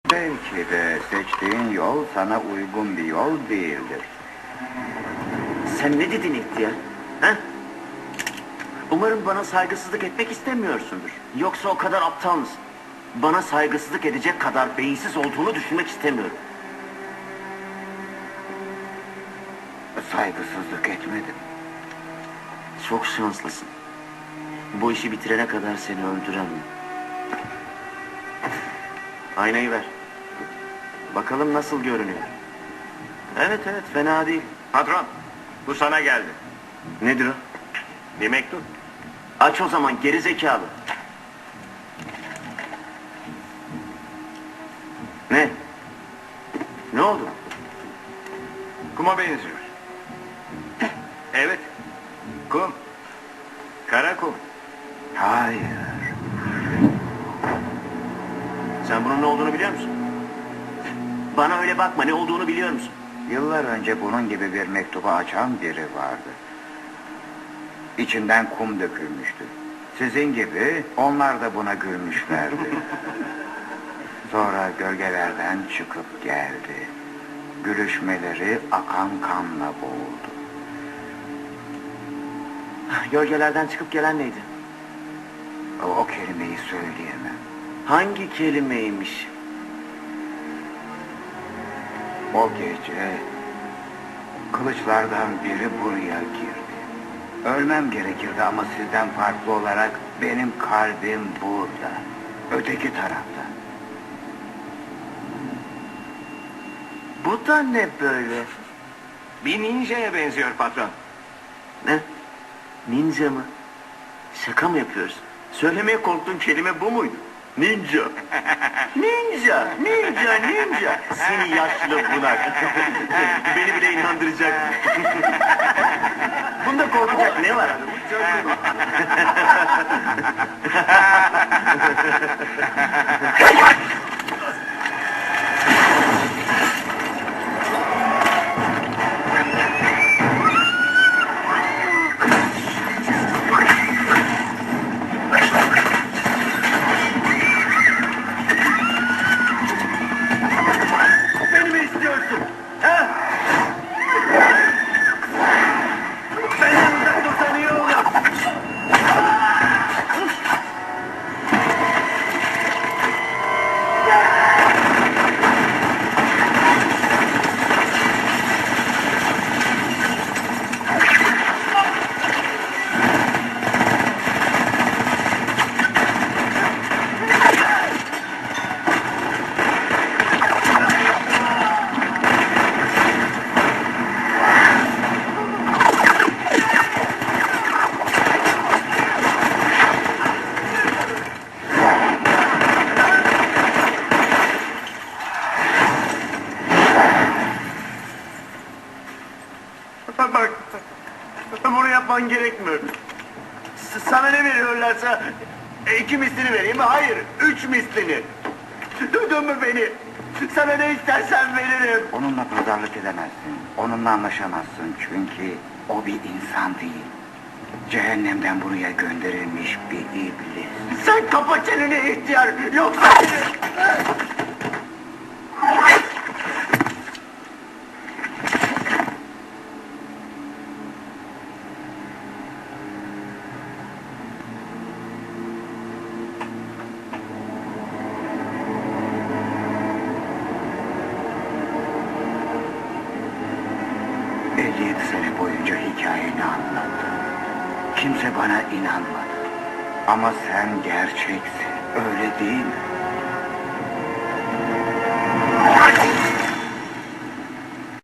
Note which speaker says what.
Speaker 1: Belki de seçtiğin yol sana uygun bir yol değildir.
Speaker 2: Sen ne dedin ihtiyar? He? Umarım bana saygısızlık etmek istemiyorsundur. Yoksa o kadar aptal mısın? Bana saygısızlık edecek kadar beyinsiz olduğunu düşünmek istemiyorum.
Speaker 1: Saygısızlık etmedim.
Speaker 2: Çok şanslısın. Bu işi bitirene kadar seni öldüremem. Aynayı ver. Bakalım nasıl görünüyor. Evet, fena değil.
Speaker 3: Patron, bu sana geldi.
Speaker 2: Nedir o?
Speaker 3: Bir mektup.
Speaker 2: Aç o zaman geri zekalı. Ne? Ne oldu?
Speaker 3: Kuma benziyor. Evet, kum. Kara kum.
Speaker 1: Hayır.
Speaker 2: Sen bunun ne olduğunu biliyor musun? Bana öyle bakma, ne olduğunu biliyor musun?
Speaker 1: Yıllar önce bunun gibi bir mektubu açan biri vardı. İçinden kum dökülmüştü. Sizin gibi onlar da buna gülmüşlerdi. Sonra gölgelerden çıkıp geldi. Gülüşmeleri akan kanla boğuldu.
Speaker 2: Gölgelerden çıkıp gelen neydi?
Speaker 1: O kelimeyi söyleyemem.
Speaker 2: Hangi kelimeymiş?
Speaker 1: O gece kılıçlardan biri buraya girdi. Ölmem gerekirdi ama sizden farklı olarak benim kalbim burada. Öteki tarafta.
Speaker 2: Bu da ne böyle?
Speaker 3: Bir ninjaya benziyor patron.
Speaker 2: Ne? Ninja mı? Şaka mı yapıyorsun? Söylemeye korktuğun kelime bu muydu? Ninja. Ninja, ninja, ninja. Seni yaşlı bunak. Beni bile inandıracak. Bunda korkacak ne var? Beni mi istiyorsun? Ha? Benden uzak dursan iyi olur. Bak, bunu yapman gerekmiyor. Sana ne veriyorlarsa 2 mislini vereyim mi? Hayır, 3 mislini. Duydun mu beni? Sana ne istersen veririm.
Speaker 1: Onunla pazarlık edemezsin. Onunla anlaşamazsın çünkü o bir insan değil. Cehennemden buraya gönderilmiş bir iblis.
Speaker 2: Sen kapa çeneni ihtiyar, yoksa
Speaker 1: sene boyunca hikayeni anlattım. Kimse bana inanmadı. Ama sen gerçeksin, öyle değil mi?